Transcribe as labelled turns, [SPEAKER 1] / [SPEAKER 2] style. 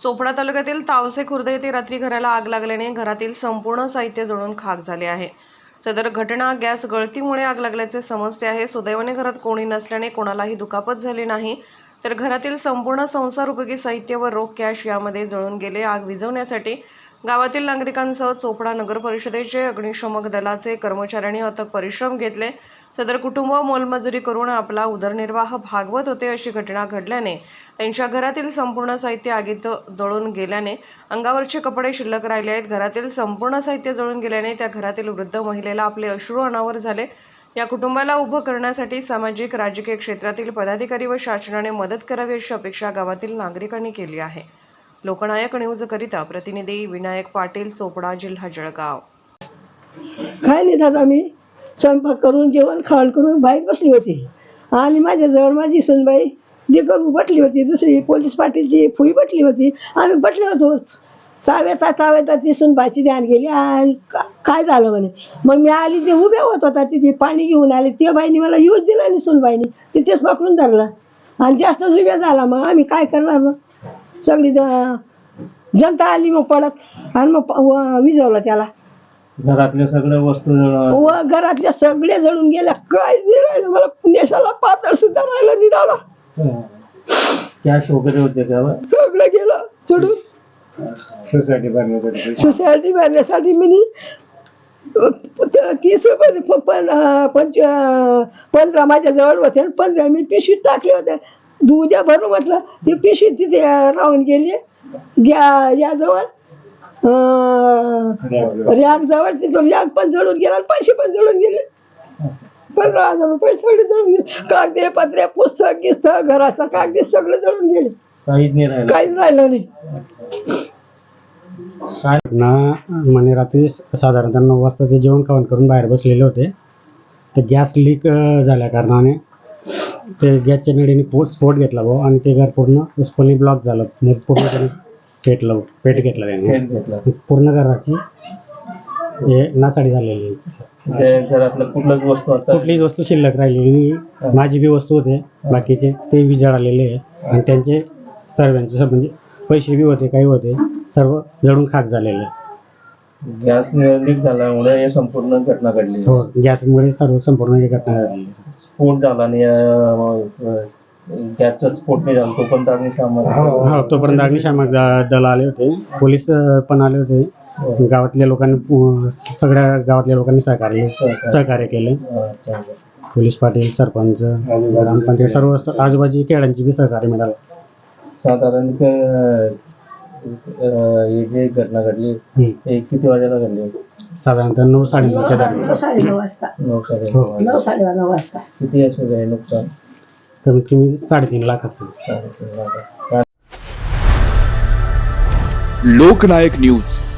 [SPEAKER 1] चोपडा तालुक्यातील तावसे खुर्द येथे रात्री घराला आग लागल्याने घरातील संपूर्ण साहित्य जळून खाक झाले आहे। सदर घटना गॅस गळतीमुळे आग लागल्याचे समजते आहे। सुदैवाने घरात कोणी नसल्याने कोणालाही दुखापत झाली नाही, तर घरातील संपूर्ण संसार उपयोगी साहित्य व रोख कॅश यामध्ये जळून गेले। आग विझवण्यासाठी गावातील नागरिकांसह चोपडा नगर परिषदेचे अग्निशमक दलाचे कर्मचाऱ्यांनी अथक परिश्रम घेतले। सदर कुटुंब मोलमजुरी करून आपला उदरनिर्वाह भागवत होते। अशी घटना घडल्याने त्यांच्या घरातील संपूर्ण साहित्य आगीत जळून गेल्याने अंगावरचे कपडे शिल्लक राहिले आहेत। घरातील संपूर्ण साहित्य जळून गेल्याने त्या घरातील वृद्ध महिलेला आपले अश्रू अनावर झाले। या कुटुंबाला उभं करण्यासाठी सामाजिक राजकीय क्षेत्रातील पदाधिकारी व शासनाने मदत करावी अशी अपेक्षा गावातील नागरिकांनी केली आहे। लोकनायक न्यूज करिता प्रतिनिधी विनायक पाटील, चोपडा, जिल्हा जळगाव।
[SPEAKER 2] काय नाही दादा, मी स्वयंपाक करून जेवण खावण करून बाहेर बसली होती आणि माझ्याजवळ माझी सुनबाई करून बसली होती, दुसरी पोलीस पाटीलची फुई बसली होती। आम्ही बसले होतो, चाव्याता ती सुनबाईची ध्यान गेली आणि काय झालं म्हणे। मग मी आली, ते उभ्या होत होता तिथे, पाणी घेऊन आले। त्या बाईने मला यूज दिला आणि सुनबाईने तिथेच पकडून धरला आणि जास्तच उभ्या झाला। मग आम्ही काय करणार, मग सगळी जनता आली मग पडत आणि मग विझवलं त्याला।
[SPEAKER 3] घरातल्या सगळ्या वस्तू
[SPEAKER 2] व घरातल्या सगळे जळून गेल्या, काय नाही राहिलं मला, नेसाला पातळ सुद्धा राहिलं नाही दादा।
[SPEAKER 3] कॅश वगैरे होते त्याला
[SPEAKER 2] सगळं गेलं सोडून। सोसायटी भरण्यासाठी मी 30 रुपये 15 माझ्या जवळ होते, 15 मी पिशवीत टाकले होते। उद्या भरू म्हटलं, ती पिशवी तिथे राहून गेली याजवळ रॅक जवळ। तिथून रॅक पण जळून गेला, पैसे पण जळून गेले। 15,000 रुपये सगळे जळून गेले। कागदे पत्रे, पुस्तक गिस्तक, घराचं कागदे सगळं जळून गेले, काहीच राहिलं नाही।
[SPEAKER 4] म्हणे रात्री साधारणतः 9 वाजता ते जेवण खावण करून बाहेर बसलेले होते। तर गॅस लीक झाल्या कारणाने ते गॅसच्या नळीने स्फोट घेतला भाऊ आणि ते घर पूर्ण उसपणी ब्लॉक झालं। मग पूर्ण पेट घेतला त्याने, पूर्ण घराची नासाडी झालेली।
[SPEAKER 3] घरातलं
[SPEAKER 4] कुठलीच वस्तू शिल्लक राहिलेली, माझी बी वस्तू होते, बाकीचे ते बी जळालेले आहे आणि त्यांचे सर्वांचे म्हणजे पैसे बी होते, काही होते, सर्व जळून खाक झालेले।
[SPEAKER 3] गॅस लीक झाल्यामुळे हे संपूर्ण घटना घडली।
[SPEAKER 4] हो, गॅसमुळे संपूर्ण ही घटना घडली।
[SPEAKER 3] स्फोट झाला आणि गॅसचा स्फोट नाही झाला तोपर्यंत अग्निशामक
[SPEAKER 4] तोपर्यंत अग्निशामक दल आले होते, पोलीस पण आले होते। गावातल्या लोकांनी, सगळ्या गावातल्या लोकांनी सहकार्य केले। पोलीस पाटील, सरपंच, ग्रामपंचायत, सर्व आजूबाजूच्या खेळांची बी सहकार्य मिळालं।
[SPEAKER 3] साधारण ही जी घटना घडली हे किती वाजेला घडली?
[SPEAKER 4] साधारणतः 9 साडेनऊच्या दरम्यान।
[SPEAKER 2] 9:30 वाजता। 9:30 वाजता।
[SPEAKER 3] किती असेल नुकसान?
[SPEAKER 4] कमीत कमी 3.5 लाखाचं।
[SPEAKER 3] $3.5 लाख।
[SPEAKER 5] लोकनायक न्यूज।